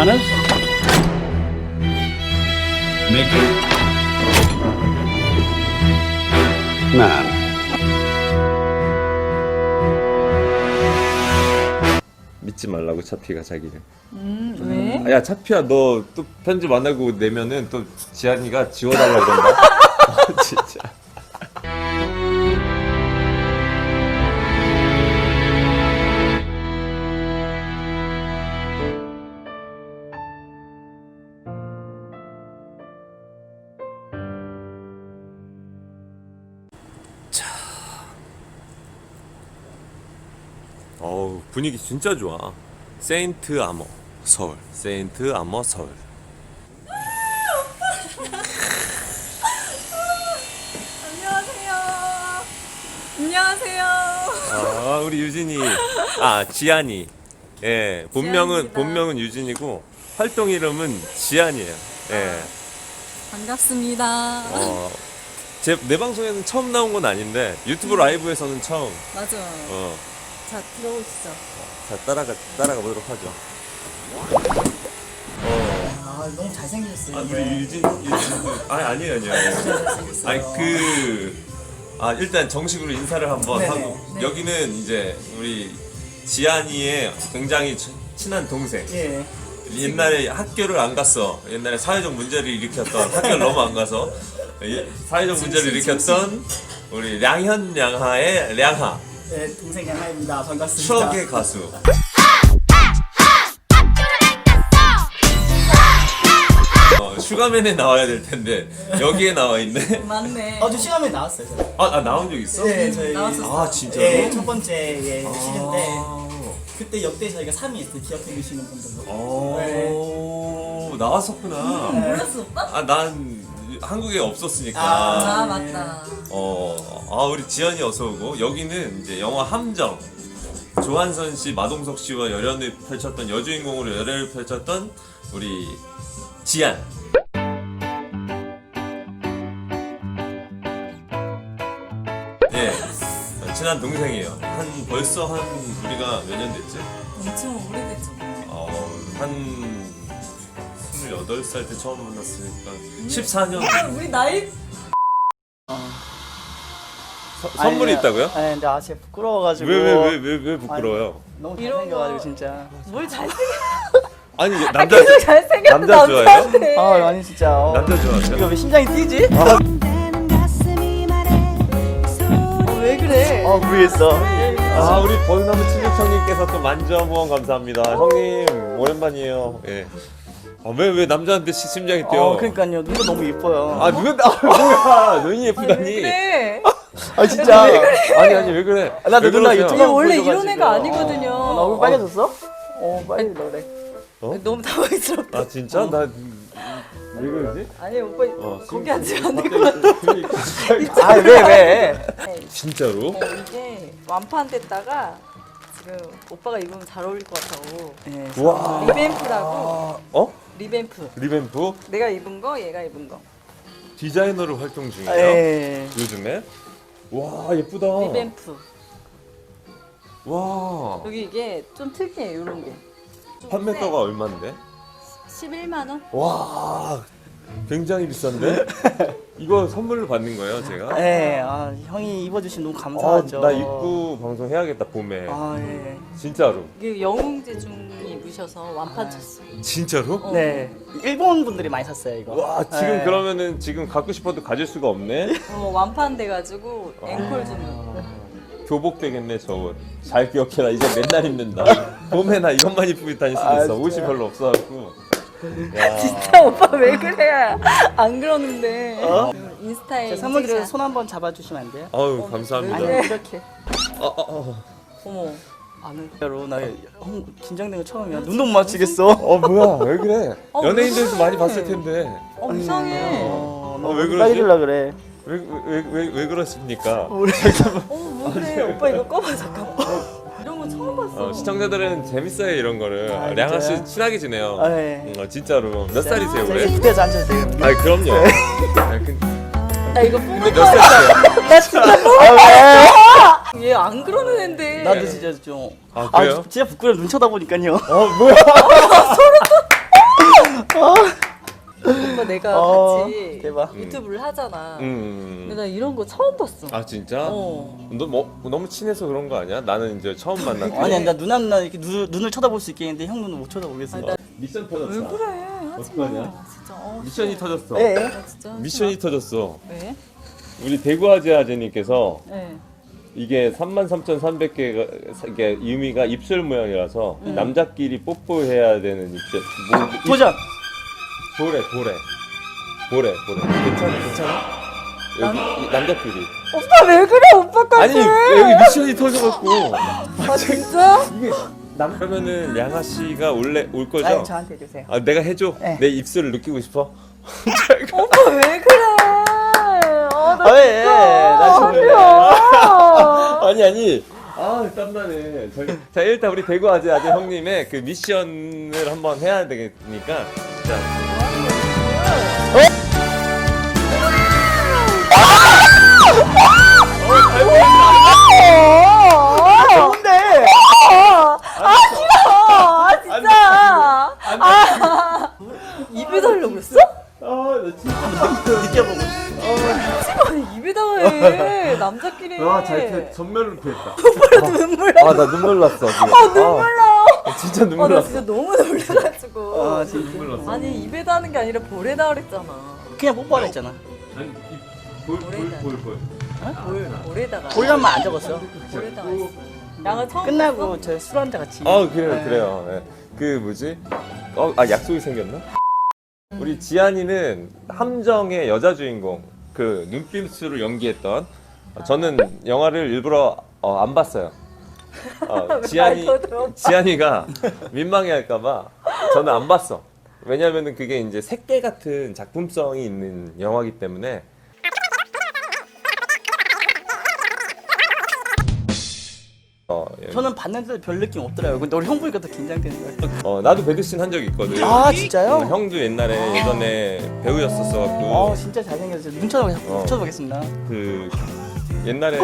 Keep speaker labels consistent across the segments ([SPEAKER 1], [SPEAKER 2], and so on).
[SPEAKER 1] honest? Mickey? Man.
[SPEAKER 2] 믿지 말라고 차피가 자기를.
[SPEAKER 3] 왜?
[SPEAKER 2] 야 차피야 너 또 편집 안 하고 내면은 또 지한이가 지워달라 그런다. 진짜. 어우 분위기 진짜 좋아. 세인트 아머 서울. 세인트 아머 서울.
[SPEAKER 3] 안녕하세요. 안녕하세요.
[SPEAKER 2] 아 우리 유진이. 아 지한이. 예 본명은 유진이고 활동 이름은 지한이에요. 예.
[SPEAKER 3] 반갑습니다.
[SPEAKER 2] 내 방송에는 처음 나온 건 아닌데 유튜브 라이브에서는 처음.
[SPEAKER 3] 맞아. 자, 들어오시죠.
[SPEAKER 2] 자 따라가 보도록 하죠.
[SPEAKER 4] 아 너무 잘생기셨어요.
[SPEAKER 2] 아 우리 유진 아니에요. 아니 일단 정식으로 인사를 한번
[SPEAKER 4] 네네.
[SPEAKER 2] 하고
[SPEAKER 4] 네.
[SPEAKER 2] 여기는 이제 우리 지한이의 굉장히 친한 동생.
[SPEAKER 4] 예.
[SPEAKER 2] 옛날에 학교를 안 갔어. 옛날에 사회적 문제를 일으켰던 학교를 너무 안 가서 사회적 문제를 일으켰던 우리 양하의 량하.
[SPEAKER 4] 네 동생 양하입니다. 반갑습니다.
[SPEAKER 2] 추억의 가수. 슈가맨에 나와야 될 텐데 여기에 나와 있네.
[SPEAKER 3] 맞네.
[SPEAKER 4] 저 시간에 나왔어요. 제가.
[SPEAKER 2] 아 나온 적 있어?
[SPEAKER 4] 네 저희
[SPEAKER 3] 나왔었어요.
[SPEAKER 2] 아 진짜로?
[SPEAKER 4] 예, 첫 번째 시즌 때 그때 역대 저희가 3위 했어요. 기억해 주시는 분들로. 네.
[SPEAKER 2] 나왔었구나.
[SPEAKER 3] 몰랐어, 오빠?
[SPEAKER 2] 난 한국에 없었으니까.
[SPEAKER 3] 아, 맞다.
[SPEAKER 2] 우리 지연이 어서 오고 여기는 이제 영화 함정. 조한선 씨, 마동석 씨와 열연을 펼쳤던 여주인공으로 열연을 펼쳤던 우리 지안. 예, 친한 동생이에요. 벌써 우리가 몇 년 됐지?
[SPEAKER 3] 엄청 오래됐죠.
[SPEAKER 2] 한 28살 때 처음 만났으니까 14년.
[SPEAKER 3] 우리 나이
[SPEAKER 2] 선물이 있다고요?
[SPEAKER 4] 아니 근데 진짜 부끄러워가지고.
[SPEAKER 2] 왜 부끄러워요?
[SPEAKER 4] 너무
[SPEAKER 3] 이런
[SPEAKER 4] 잘생겨가지고
[SPEAKER 3] 거.
[SPEAKER 4] 진짜.
[SPEAKER 3] 뭘 잘생겨.
[SPEAKER 2] 아니 이게
[SPEAKER 3] 계속 잘생겼어,
[SPEAKER 2] 남자 좋아해요?
[SPEAKER 3] 남자한테.
[SPEAKER 4] 아니 진짜.
[SPEAKER 2] 남자 좋아하세요?
[SPEAKER 4] 이거 왜 심장이 뛰지?
[SPEAKER 3] 왜 그래?
[SPEAKER 4] 모르겠어.
[SPEAKER 2] 우리 버드나무 친육형님께서 또 만점 후원 감사합니다. 형님 오랜만이에요. 예. 왜 남자한테 심장이 뛰어?
[SPEAKER 4] 그러니까요. 눈도 너무 예뻐요.
[SPEAKER 2] 뭐야? 눈이 예쁘다니.
[SPEAKER 3] 그래.
[SPEAKER 4] 진짜.
[SPEAKER 2] 아니 왜 그래?
[SPEAKER 4] 나도
[SPEAKER 2] 왜
[SPEAKER 4] 누나
[SPEAKER 2] 그러세요?
[SPEAKER 4] 유튜브
[SPEAKER 3] 얘 원래
[SPEAKER 4] 보여줘가지고.
[SPEAKER 3] 이런 애가 아니거든요.
[SPEAKER 4] 나 얼굴 빨개졌어? 빨리 그래.
[SPEAKER 3] 너무 당황스럽다.
[SPEAKER 2] 아 진짜? 나 왜 그러지?
[SPEAKER 3] 아니 오빠 거기 앉으면 안 될 것
[SPEAKER 2] 같아.
[SPEAKER 4] 아 왜?
[SPEAKER 2] 진짜로?
[SPEAKER 3] 이게 완판됐다가 지금 오빠가 입으면 잘 어울릴 것 같다고.
[SPEAKER 4] 네.
[SPEAKER 2] 와.
[SPEAKER 3] 리뱀프라고. 리뱀프.
[SPEAKER 2] 리뱀프?
[SPEAKER 3] 내가 입은 거, 얘가 입은 거.
[SPEAKER 2] 디자이너로 활동 중이에요?
[SPEAKER 4] 예.
[SPEAKER 2] 요즘에? 와 예쁘다.
[SPEAKER 3] 리뱀프.
[SPEAKER 2] 와.
[SPEAKER 3] 여기 이게 좀 특이해, 이런 게.
[SPEAKER 2] 판매가가 얼마인데?
[SPEAKER 3] 11만 원?
[SPEAKER 2] 와 굉장히 비싼데? 이거 선물로 받는 거예요 제가?
[SPEAKER 4] 네, 형이 입어주시면 너무 감사하죠.
[SPEAKER 2] 나 입고 방송 해야겠다 봄에.
[SPEAKER 4] 예.
[SPEAKER 2] 진짜로?
[SPEAKER 3] 이게 영웅제중이 입으셔서 완판 쳤어.
[SPEAKER 2] 진짜로?
[SPEAKER 4] 네, 일본 분들이 많이 샀어요 이거.
[SPEAKER 2] 와 지금
[SPEAKER 4] 네.
[SPEAKER 2] 그러면은 지금 갖고 싶어도 가질 수가 없네?
[SPEAKER 3] 완판 돼가지고 앵콜 주는.
[SPEAKER 2] 교복 되겠네 저 옷. 잘 기억해라 이제 맨날 입는다. 봄에 나 이것만 입고 다닐 수도 있어. 옷이
[SPEAKER 4] 진짜요?
[SPEAKER 2] 별로 없어갖고. 야.
[SPEAKER 3] 진짜 오빠 왜 그래? 안 그러는데. 인스타에
[SPEAKER 4] 제 선물 드려서
[SPEAKER 3] 인스타-
[SPEAKER 4] 손 한번 잡아주시면 안 돼요?
[SPEAKER 2] 아유 감사합니다.
[SPEAKER 3] 왜 그래?
[SPEAKER 4] 이렇게.
[SPEAKER 3] 어머.
[SPEAKER 4] 진짜로 나 긴장된 거 처음이야. 눈도 못 맞추겠어.
[SPEAKER 2] 뭐야 왜 그래?
[SPEAKER 3] 왜
[SPEAKER 2] 연예인들도
[SPEAKER 3] 그래?
[SPEAKER 2] 많이 봤을 텐데.
[SPEAKER 3] 이상해.
[SPEAKER 2] 왜 그러지?
[SPEAKER 4] 빨개질라 그래.
[SPEAKER 2] 왜 그렇습니까?
[SPEAKER 3] 왜 그래? 오빠 이거 꺼봐 잠깐만. 이런 거 처음 봤어.
[SPEAKER 2] 시청자들은 재밌어요 이런 거를.
[SPEAKER 4] 아,
[SPEAKER 2] 량아 씨
[SPEAKER 4] 진짜요?
[SPEAKER 2] 친하게 지내요.
[SPEAKER 4] 네.
[SPEAKER 2] 진짜로. 몇 살이세요
[SPEAKER 4] 이제
[SPEAKER 2] 올해?
[SPEAKER 4] 무대에서 앉아도 돼요.
[SPEAKER 2] 아니 그럼요.
[SPEAKER 3] 나 이거
[SPEAKER 2] 근데
[SPEAKER 3] 뽑을
[SPEAKER 2] 몇
[SPEAKER 3] 거야.
[SPEAKER 2] 살이세요?
[SPEAKER 3] 나 진짜 뽑을 거야. 얘 안 그러는 앤데.
[SPEAKER 4] 나도 진짜 좀.
[SPEAKER 2] 아, 그래요?
[SPEAKER 4] 진짜 부끄러워 눈 쳐다보니까요.
[SPEAKER 2] 뭐야?
[SPEAKER 3] 오빠 내가 같이
[SPEAKER 4] 대박.
[SPEAKER 3] 유튜브를 하잖아.
[SPEAKER 2] 음.
[SPEAKER 3] 근데 나 이런 거 처음 봤어.
[SPEAKER 2] 아 진짜?
[SPEAKER 3] 어.
[SPEAKER 2] 너 너무 친해서 그런 거 아니야? 나는 이제 처음 만났고.
[SPEAKER 4] 아니 나 누나 이렇게 눈을 쳐다볼 수 있겠는데 형 눈은 못 쳐다보겠어.
[SPEAKER 3] 아니, 나-
[SPEAKER 2] 미션
[SPEAKER 3] 왜
[SPEAKER 2] 터졌어.
[SPEAKER 3] 그래? 하지
[SPEAKER 2] 어떡하냐?
[SPEAKER 3] 마. 진짜.
[SPEAKER 2] 미션이 터졌어.
[SPEAKER 4] 네.
[SPEAKER 3] 나 진짜 하지
[SPEAKER 2] 미션이 터졌어.
[SPEAKER 3] 마. 왜?
[SPEAKER 2] 우리 대구아재아재님께서
[SPEAKER 3] 네.
[SPEAKER 2] 이게 33,300개가 이게 의미가 입술 모양이라서 남자끼리 뽀뽀해야 되는 입술.
[SPEAKER 4] 도전.
[SPEAKER 2] 보래. 괜찮아? 여기 남자끼리.
[SPEAKER 3] 오빠 왜 그래? 오빠까지.
[SPEAKER 2] 아니 여기 미션이 터져갖고
[SPEAKER 3] 아 진짜?
[SPEAKER 2] 이게 그러면은 양아 씨가 올 거죠?
[SPEAKER 4] 아니 저한테 해주세요.
[SPEAKER 2] 아 내가 해줘.
[SPEAKER 4] 네.
[SPEAKER 2] 내 입술을 느끼고 싶어.
[SPEAKER 3] 오빠 왜 그래? 나
[SPEAKER 4] 왜? 나 지금
[SPEAKER 2] 아니. 아 땀나네. 자 일단 우리 대구 아재 형님의 그 미션을 한번 해야 되니까. 자.
[SPEAKER 4] 좋은데.
[SPEAKER 3] 아 진짜. 입에 달라고 그랬어?
[SPEAKER 2] 아나 진짜.
[SPEAKER 4] 느껴보고.
[SPEAKER 3] 하지마 입에다가 해. 남자끼리.
[SPEAKER 2] 전멸로 피했다.
[SPEAKER 3] 눈물 나.
[SPEAKER 2] 아나 눈물 났어 지금.
[SPEAKER 3] 눈물 나.
[SPEAKER 2] 진짜 눈물
[SPEAKER 3] 나
[SPEAKER 2] 났어.
[SPEAKER 3] 진짜 너무 놀래가지고.
[SPEAKER 4] 아 진짜.
[SPEAKER 2] 눈물 났어.
[SPEAKER 3] 아니 입에다 하는 게 아니라 볼에다 그랬잖아.
[SPEAKER 4] 그냥 뽀뽀하라 했잖아.
[SPEAKER 2] 아니 볼.
[SPEAKER 3] 볼에다가.
[SPEAKER 4] 볼란만 안 적었어.
[SPEAKER 3] 볼에다가 했어. 양아 처음
[SPEAKER 4] 끝나고 저 술 한잔 같이.
[SPEAKER 2] 아 그래요. 네. 그 뭐지? 약속이 생겼나? 우리 지안이는 함정의 여자 주인공 그 눈빛으로 연기했던 저는 영화를 일부러 안 봤어요. 지안이가 민망해할까봐 저는 안 봤어. 왜냐면은 그게 이제 색깔 같은 작품성이 있는 영화이기 때문에. 예.
[SPEAKER 4] 저는 봤는데도 별 느낌 없더라고요. 근데 우리 형 보니까 더 긴장되는 거예요.
[SPEAKER 2] 나도 배드신 한 적 있거든.
[SPEAKER 4] 아 진짜요?
[SPEAKER 2] 형도 옛날에 예전에 배우였었어갖고
[SPEAKER 4] 아 진짜 잘생겼어요. 눈 쳐다보겠습니다.
[SPEAKER 2] 그 옛날에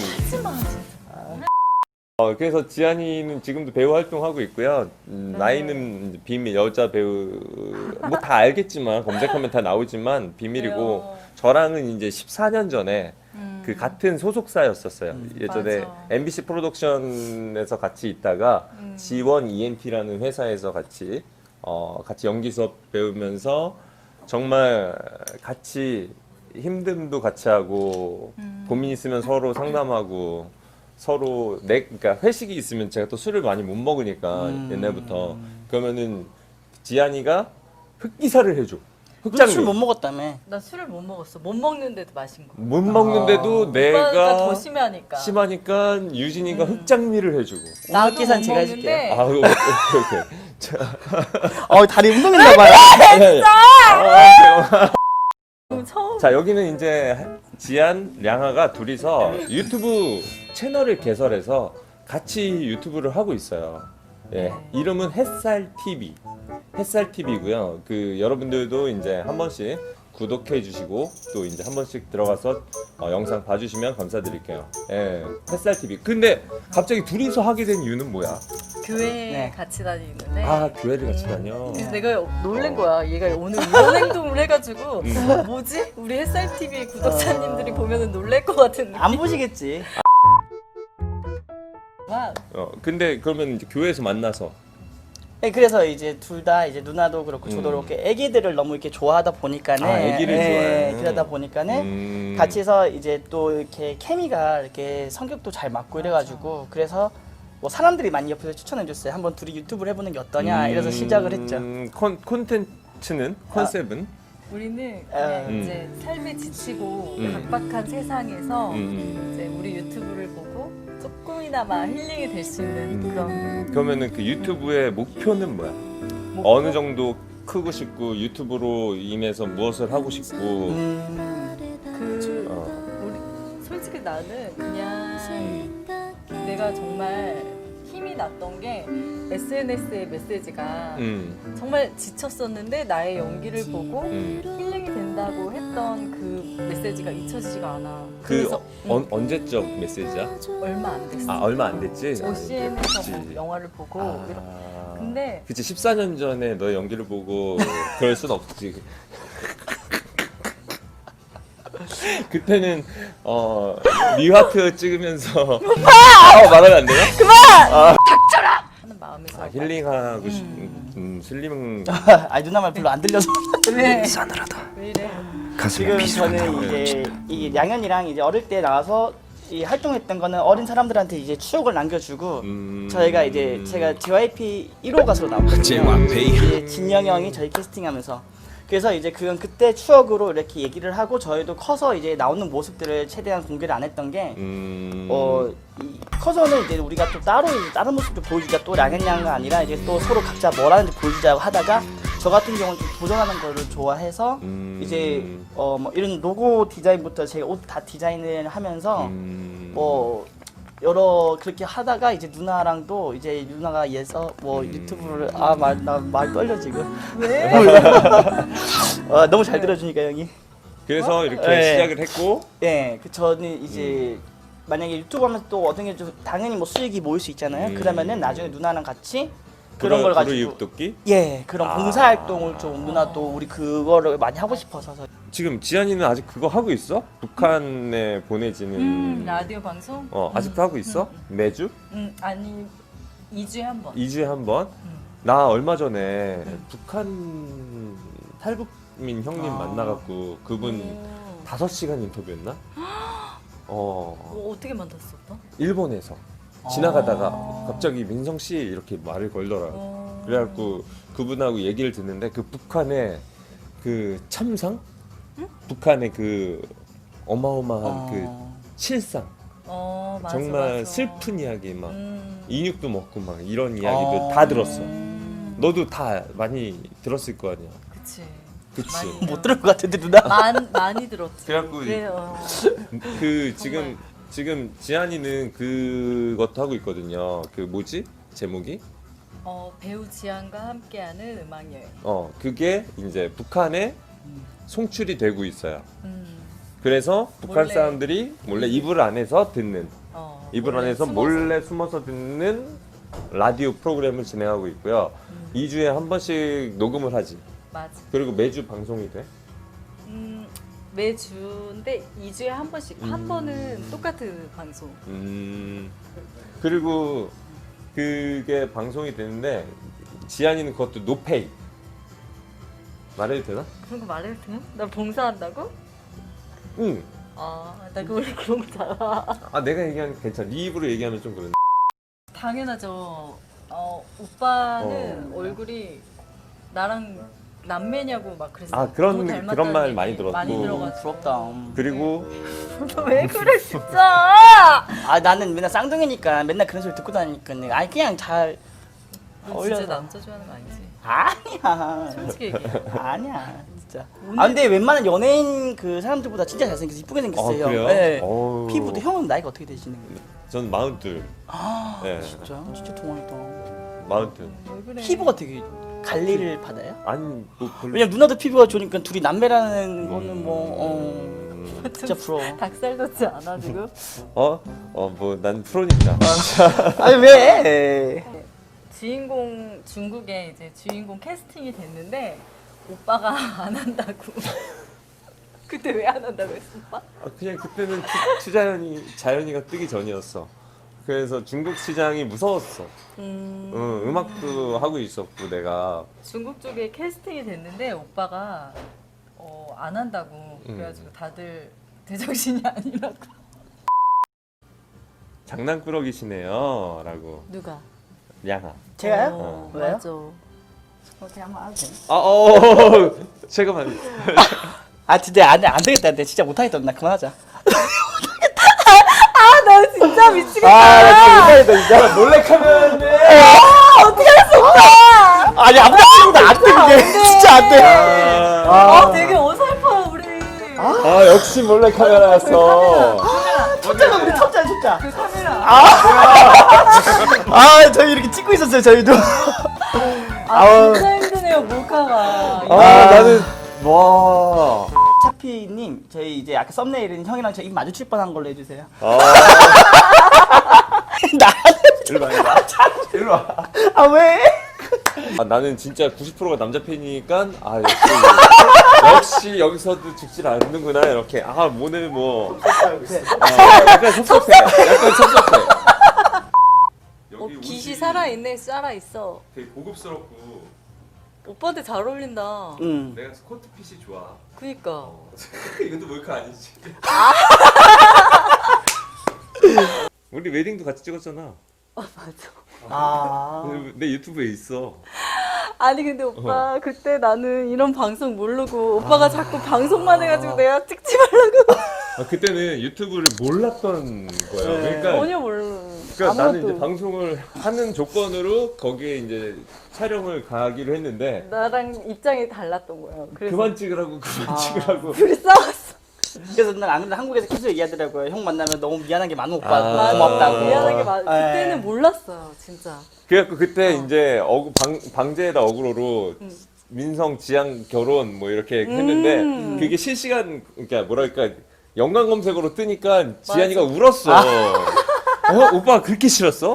[SPEAKER 2] 그래서 지안이는 지금도 배우 활동하고 있고요. 나이는 이제 비밀 여자 배우 뭐 다 알겠지만 검색하면 다 나오지만 비밀이고
[SPEAKER 3] 그래요.
[SPEAKER 2] 저랑은 이제 14년 전에 그 같은 소속사였었어요. 예전에
[SPEAKER 3] 맞아.
[SPEAKER 2] MBC 프로덕션에서 같이 있다가 G1 ENT라는 회사에서 같이 연기 수업 배우면서 정말 같이 힘듦도 같이 하고 고민 있으면 서로 상담하고 서로 그러니까 회식이 있으면 제가 또 술을 많이 못 먹으니까 옛날부터 그러면은 지안이가 흑기사를 해줘. 흑장미.
[SPEAKER 4] 술 못 먹었다며.
[SPEAKER 3] 나 술을 못 먹었어. 못 먹는데도 마신 거.
[SPEAKER 2] 못 먹는데도
[SPEAKER 3] 오빠가
[SPEAKER 2] 내가
[SPEAKER 3] 더 심하니까.
[SPEAKER 2] 심하니까 유진이가 흑장미를 해주고.
[SPEAKER 3] 나도
[SPEAKER 4] 계산
[SPEAKER 3] 못
[SPEAKER 4] 제가
[SPEAKER 3] 먹는데
[SPEAKER 4] 해줄게요.
[SPEAKER 2] 오케이.
[SPEAKER 4] 다리 운동했나 봐요.
[SPEAKER 3] 처음.
[SPEAKER 2] 자 여기는 이제 지안, 량아가 둘이서 유튜브 채널을 개설해서 같이 유튜브를 하고 있어요. 예, 이름은 햇살 TV고요. 그 여러분들도 이제 한 번씩 구독해 주시고 또 이제 한 번씩 들어가서 영상 봐주시면 감사드릴게요. 예, 햇살 TV. 근데 갑자기 둘이서 하게 된 이유는 뭐야?
[SPEAKER 3] 교회
[SPEAKER 4] 네.
[SPEAKER 3] 같이 다니는데.
[SPEAKER 2] 아 교회를 같이 다녀.
[SPEAKER 3] 그래서 내가 놀란 거야. 얘가 오늘 이런 행동을 해가지고 뭐지? 우리 햇살 TV 구독자님들이 보면은 놀랄 것 같은
[SPEAKER 4] 안 보시겠지.
[SPEAKER 3] 느낌.
[SPEAKER 2] 근데 그러면 이제 교회에서 만나서
[SPEAKER 4] 네, 그래서 이제 둘 다 이제 누나도 그렇고 저도 그렇게 애기들을 너무 이렇게 좋아하다 보니까는
[SPEAKER 2] 애기를 좋아해.
[SPEAKER 4] 그러다 보니까는 같이 해서 이제 또 이렇게 케미가 이렇게 성격도 잘 맞고 이래가지고 그래서 뭐 사람들이 많이 옆에서 추천해 줬어요. 한번 둘이 유튜브를 해보는 게 어떠냐 이래서 시작을 했죠.
[SPEAKER 2] 콘텐츠는 컨셉은
[SPEAKER 3] 우리는 그냥 이제 삶에 지치고 각박한 세상에서 이제 우리 유튜브를 보고 조금이나마 힐링이 될 수 있는 그런.
[SPEAKER 2] 그러면은 그 유튜브의 목표는 뭐야? 어느 정도 크고 싶고 유튜브로 인해서 무엇을 하고 싶고
[SPEAKER 3] 우리 솔직히 나는 그냥 내가 정말 힘이 났던 게 SNS의 메시지가 정말 지쳤었는데 나의 연기를 보고 힐링이 된다고 했던 그 메시지가 잊혀지지가 않아. 그래서
[SPEAKER 2] 언제적 메시지야?
[SPEAKER 3] 얼마 안 됐어.
[SPEAKER 2] 얼마 안 됐지?
[SPEAKER 3] OCN에서
[SPEAKER 2] 그치.
[SPEAKER 3] 영화를 보고 근데
[SPEAKER 2] 그치 14년 전에 너의 연기를 보고 그럴 순 없지. 그때는 리하트 찍으면서 말하면 안 되나?
[SPEAKER 3] 하는 마음에서
[SPEAKER 2] 힐링하고 슬림
[SPEAKER 4] 아니 누나 말 별로 안 들려서.
[SPEAKER 3] 왜? 싸늘하다. 왜 이래?
[SPEAKER 4] 지금 저는 이제 이 양현이랑 이제 어릴 때 나와서 이 활동했던 거는 어린 사람들한테 이제 추억을 남겨주고 저희가 이제 제가 JYP 1호 가수로 나왔거든요. 이제 진영 형이 저희 캐스팅하면서 그래서 이제 그건 그때 추억으로 이렇게 얘기를 하고 저희도 커서 이제 나오는 모습들을 최대한 공개를 안 했던 게 이 커서는 이제 우리가 또 따로 이제 다른 모습도 보여주자 또 양현 양가 아니라 이제 또 서로 각자 뭘 하는지 보여주자고 하다가 저 같은 경우는 좀 도전하는 거를 좋아해서 이제 뭐 이런 로고 디자인부터 제가 옷 다 디자인을 하면서 뭐 여러 그렇게 하다가 이제 누나랑도 이제 누나가 얘서 뭐 유튜브를 나 말 떨려 지금
[SPEAKER 3] 왜?
[SPEAKER 4] 너무 잘 들어주니까 형이
[SPEAKER 2] 그래서 이렇게
[SPEAKER 4] 네.
[SPEAKER 2] 시작을 했고
[SPEAKER 4] 그 저는 이제 만약에 유튜브 하면 또 어떤 게 좀 당연히 뭐 수익이 모일 수 있잖아요. 그러면은 나중에 누나랑 같이 그런 걸 가지고
[SPEAKER 2] 입독기?
[SPEAKER 4] 그런 봉사 활동을 좀 누나도 우리 그거를 많이 하고 싶어서
[SPEAKER 2] 지금 지한이는 아직 그거 하고 있어? 북한에 보내지는
[SPEAKER 3] 라디오 방송?
[SPEAKER 2] 아직도 하고 있어? 매주?
[SPEAKER 3] 아니 2주에 한 번.
[SPEAKER 2] 2주에 한 번? 나 얼마 전에 북한 탈북민 형님 만나갖고 그분 5시간 인터뷰했나?
[SPEAKER 3] 어떻게 만났었어?
[SPEAKER 2] 일본에서 지나가다가 갑자기 민성 씨 이렇게 말을 걸더라고. 그래갖고 그분하고 얘기를 듣는데 그 북한의 그 참상? 북한의 그 어마어마한 그 실상.
[SPEAKER 3] 맞아,
[SPEAKER 2] 정말
[SPEAKER 3] 맞아.
[SPEAKER 2] 슬픈 이야기 막 인육도 먹고 막 이런 이야기도 다 들었어. 너도 다 많이 들었을 거 아니야.
[SPEAKER 3] 그치.
[SPEAKER 2] 그치.
[SPEAKER 3] 많이
[SPEAKER 4] 못 들을 것 같은데 누나.
[SPEAKER 3] 많이 들었지.
[SPEAKER 2] 그래갖고 그 지금 지한이는 그것도 하고 있거든요. 그 뭐지? 제목이?
[SPEAKER 3] 배우 지한과 함께하는 음악 여행.
[SPEAKER 2] 그게 이제 북한에 송출이 되고 있어요. 그래서 북한
[SPEAKER 3] 몰래.
[SPEAKER 2] 사람들이 몰래 이불 안에서 듣는 이불
[SPEAKER 3] 몰래
[SPEAKER 2] 안에서
[SPEAKER 3] 숨어서.
[SPEAKER 2] 몰래 숨어서 듣는 라디오 프로그램을 진행하고 있고요. 2주에 한 번씩 녹음을 하지.
[SPEAKER 3] 맞아.
[SPEAKER 2] 그리고 매주 방송이 돼.
[SPEAKER 3] 매주인데 2주에 한 번씩 한 번은 똑같은 방송.
[SPEAKER 2] 그리고 그게 방송이 되는데 지한이는 그것도 노페이. 말해도 되나?
[SPEAKER 3] 그런 거 말해도 돼? 나 봉사한다고?
[SPEAKER 2] 응.
[SPEAKER 3] 나 원래 그런 거 잘 알아.
[SPEAKER 2] 내가 얘기하면 괜찮아. 네 입으로 얘기하면 좀 그런데.
[SPEAKER 3] 당연하죠. 오빠는 얼굴이 나랑 남매냐고 막 그랬어.
[SPEAKER 2] 그런 말 많이 들었고.
[SPEAKER 3] 많이 들어가지고.
[SPEAKER 4] 부럽다.
[SPEAKER 2] 그리고
[SPEAKER 3] 왜 그래 진짜?
[SPEAKER 4] 나는 맨날 쌍둥이니까 맨날 그런 소리 듣고 다니니까 그냥 잘
[SPEAKER 3] 너
[SPEAKER 4] 어울려서.
[SPEAKER 3] 진짜 남자 좋아하는 거 아니지?
[SPEAKER 4] 아니야.
[SPEAKER 3] 솔직히 얘기해.
[SPEAKER 4] 아니야 진짜. 근데 웬만한 연예인 그 사람들보다 진짜 잘생겨서 이쁘게 생겼어요.
[SPEAKER 2] 그래요?
[SPEAKER 4] 네.
[SPEAKER 2] 어우.
[SPEAKER 4] 피부도 형은 나이가 어떻게 되시는 거예요?
[SPEAKER 2] 전 42. 네.
[SPEAKER 4] 진짜 동안이다.
[SPEAKER 2] 42.
[SPEAKER 3] 왜 그래?
[SPEAKER 4] 피부가 되게 관리를 받아요?
[SPEAKER 2] 아니 뭐 별로.
[SPEAKER 4] 왜냐면 누나도 피부가 좋으니까 둘이 남매라는 거는 뭐 진짜 부러워.
[SPEAKER 3] 닭살 돋지 않아 지금?
[SPEAKER 2] 뭐 난 프로니까.
[SPEAKER 4] 아니 왜?
[SPEAKER 3] 주인공 중국에 이제 주인공 캐스팅이 됐는데 오빠가 안 한다고. 그때 왜 안 한다고 했어 오빠?
[SPEAKER 2] 그냥 그때는 자연이가 뜨기 전이었어. 그래서 중국 시장이 무서웠어. 음악도 하고 있었고 내가.
[SPEAKER 3] 중국 쪽에 캐스팅이 됐는데 오빠가 안 한다고. 그래가지고 다들 제정신이 아니라고.
[SPEAKER 2] 장난꾸러기시네요 라고.
[SPEAKER 3] 누가?
[SPEAKER 2] 양아.
[SPEAKER 4] 제가요? 왜요?
[SPEAKER 3] 맞아.
[SPEAKER 4] 어떻게 한번 하도 돼요?
[SPEAKER 2] 제가
[SPEAKER 4] 진짜 안 되겠다. 내 진짜 못하겠다. 나 그만하자.
[SPEAKER 3] 나 진짜 미치겠다.
[SPEAKER 4] 나 진짜 못하겠다 진짜. 몰래카메라인데.
[SPEAKER 3] 어떻게 할 수 없어?
[SPEAKER 4] 아니 아무나 찍어도 안 돼. 그게 진짜 안 돼.
[SPEAKER 3] 되게 어설퍼 우리.
[SPEAKER 2] 역시 몰래카메라였어.
[SPEAKER 4] 첩자가 우리 첩자.
[SPEAKER 3] 그 카메라.
[SPEAKER 4] 저희 이렇게 찍고 있었어요. 저희도.
[SPEAKER 3] 진짜 힘드네요 몰카가.
[SPEAKER 2] 나는 와.
[SPEAKER 4] 차피님 저희 이제 아까 썸네일은 형이랑 저 입 마주칠 뻔한 걸로 해주세요.
[SPEAKER 2] 일로 와. 일로 와.
[SPEAKER 4] 왜?
[SPEAKER 2] 나는 진짜 90%가 남자 팬이니까 역시 여기서도 죽질 않는구나 이렇게 오늘 뭐 약간 섭섭해. 약간 섭섭해. 여기
[SPEAKER 3] 깃이 살아있네, 살아있어.
[SPEAKER 2] 되게 고급스럽고
[SPEAKER 3] 오빠한테 잘 어울린다.
[SPEAKER 2] 내가 스코트 핏이 좋아.
[SPEAKER 3] 그니까.
[SPEAKER 2] 이것도 몰카 아니지? 우리 웨딩도 같이 찍었잖아.
[SPEAKER 3] 맞아.
[SPEAKER 2] 내 유튜브에 있어.
[SPEAKER 3] 아니 근데 오빠 그때 나는 이런 방송 모르고 오빠가 자꾸 방송만 해가지고 내가 찍지 말라고.
[SPEAKER 2] 그때는 유튜브를 몰랐던 거야. 그러니까
[SPEAKER 3] 전혀 모르는.
[SPEAKER 2] 그러니까 나는 이제 방송을 하는 조건으로 거기에 이제 촬영을 가기로 했는데
[SPEAKER 3] 나랑 입장이 달랐던 거야. 그래서
[SPEAKER 2] 그만 찍으라고
[SPEAKER 3] 둘이 싸웠어.
[SPEAKER 4] 그래서 난 안 그래도 한국에서 계속 얘기하더라고요. 형 만나면 너무 미안한 게 많은 오빠
[SPEAKER 2] 아.
[SPEAKER 4] 고맙다고.
[SPEAKER 3] 미안한 게 많아.
[SPEAKER 4] 네.
[SPEAKER 3] 그때는 몰랐어요, 진짜.
[SPEAKER 2] 그래갖고 그때 이제 방제에다 어그로로 민성 지향 결혼 뭐 이렇게 했는데 그게 실시간 그러니까 뭐랄까 연관 검색어로 뜨니까 지한이가 울었어. 오빠 그렇게 싫었어?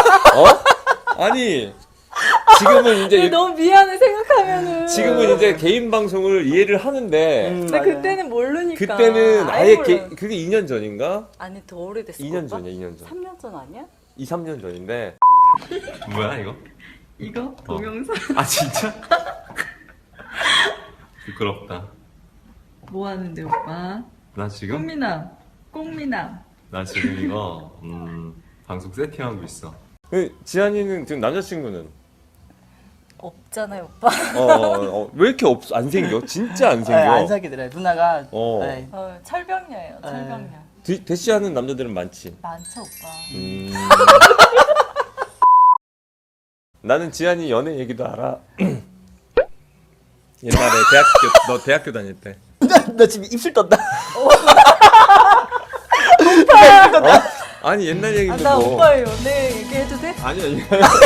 [SPEAKER 2] 아니 지금은 이제
[SPEAKER 3] 너무 미안해 생각하면은.
[SPEAKER 2] 지금은 이제 개인 방송을 이해를 하는데
[SPEAKER 3] 근데 그때는 모르니까.
[SPEAKER 2] 그때는 아예
[SPEAKER 3] 몰라.
[SPEAKER 2] 그게 2년 전인가?
[SPEAKER 3] 아니 더 오래됐어.
[SPEAKER 2] 2년
[SPEAKER 3] 오빠?
[SPEAKER 2] 전이야 2년 전.
[SPEAKER 3] 3년 전 아니야?
[SPEAKER 2] 2, 3년 전인데 뭐야 이거?
[SPEAKER 3] 이거 동영상.
[SPEAKER 2] 아 진짜? 부끄럽다.
[SPEAKER 3] 뭐 하는데 오빠?
[SPEAKER 2] 나 지금?
[SPEAKER 3] 꽁미남.
[SPEAKER 2] 나 지금 이거 방송 세팅하고 있어. 지한이는 지금 남자친구는?
[SPEAKER 3] 없잖아요 오빠.
[SPEAKER 2] 왜 이렇게 안 생겨? 진짜 안 생겨.
[SPEAKER 4] 안 사귀더라고요. 누나가 네.
[SPEAKER 3] 철벽녀예요, 철벽녀.
[SPEAKER 2] 대시하는 남자들은 많지.
[SPEAKER 3] 많죠 오빠.
[SPEAKER 2] 나는 지한이 연애 얘기도 알아. 옛날에 너 대학교 다닐 때.
[SPEAKER 4] 너 지금 입술 떴다.
[SPEAKER 2] 아니 옛날 얘기인데
[SPEAKER 3] 나
[SPEAKER 2] 뭐.
[SPEAKER 3] 오빠의 연애 얘기해도 돼?
[SPEAKER 2] 아니.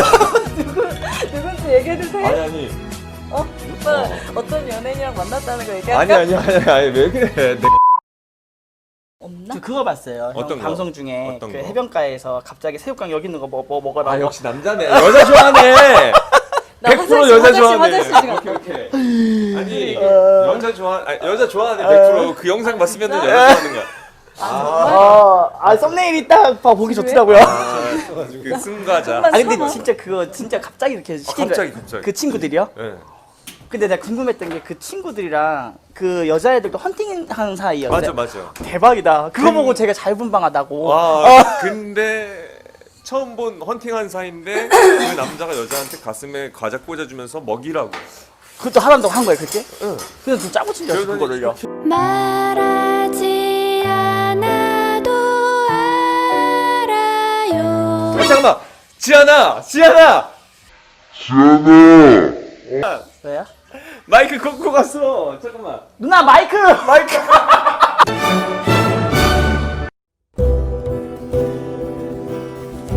[SPEAKER 3] 누군지 얘기해도 돼?
[SPEAKER 2] 아니.
[SPEAKER 3] 오빠 어떤 연예인이랑 만났다는 거 얘기할까?
[SPEAKER 2] 아니 왜 그래?
[SPEAKER 3] 없나?
[SPEAKER 4] 저 그거 봤어요. 형
[SPEAKER 2] 어떤 거?
[SPEAKER 4] 방송 중에
[SPEAKER 2] 어떤
[SPEAKER 4] 그
[SPEAKER 2] 거?
[SPEAKER 4] 해변가에서 갑자기 새우깡 여기 있는 거 뭐 먹어라.
[SPEAKER 2] 아 역시 남자네. 여자 좋아하네.
[SPEAKER 3] 나
[SPEAKER 2] 100% 여자 좋아하네.
[SPEAKER 3] 화장실 시간.
[SPEAKER 2] 오케이. 아니 여자 좋아하네 100%. 그 영상 봤으면 여자 좋아하는 거야.
[SPEAKER 4] 썸네일이 딱 보기 좋더라고요.
[SPEAKER 2] 그 승가자.
[SPEAKER 4] 아 근데 진짜 그거 진짜 갑자기 이렇게 시킨
[SPEAKER 2] 갑자기.
[SPEAKER 4] 그 친구들이요?
[SPEAKER 2] 네.
[SPEAKER 4] 근데 내가 궁금했던 게 그 친구들이랑 그 여자애들도 헌팅하는 사이였어요.
[SPEAKER 2] 맞아.
[SPEAKER 4] 대박이다. 그거 보고 제가 자유분방하다고.
[SPEAKER 2] 와 근데 처음 본 헌팅한 사이인데 그 남자가 여자한테 가슴에 과자 꽂아주면서 먹이라고.
[SPEAKER 4] 그것도 하란다고 한 거예요, 그때?
[SPEAKER 2] 응.
[SPEAKER 4] 그래서 좀 짜고 친줄 알았어, 그거를요.
[SPEAKER 5] 말하지 않아도 알아요.
[SPEAKER 2] 잠깐만. 지한아.
[SPEAKER 4] 왜요?
[SPEAKER 2] 마이크 꽂고 갔어. 잠깐만.
[SPEAKER 4] 누나 마이크!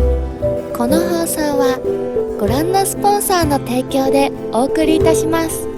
[SPEAKER 5] この放送はご覧のスポンサーの提供でお送りいたします。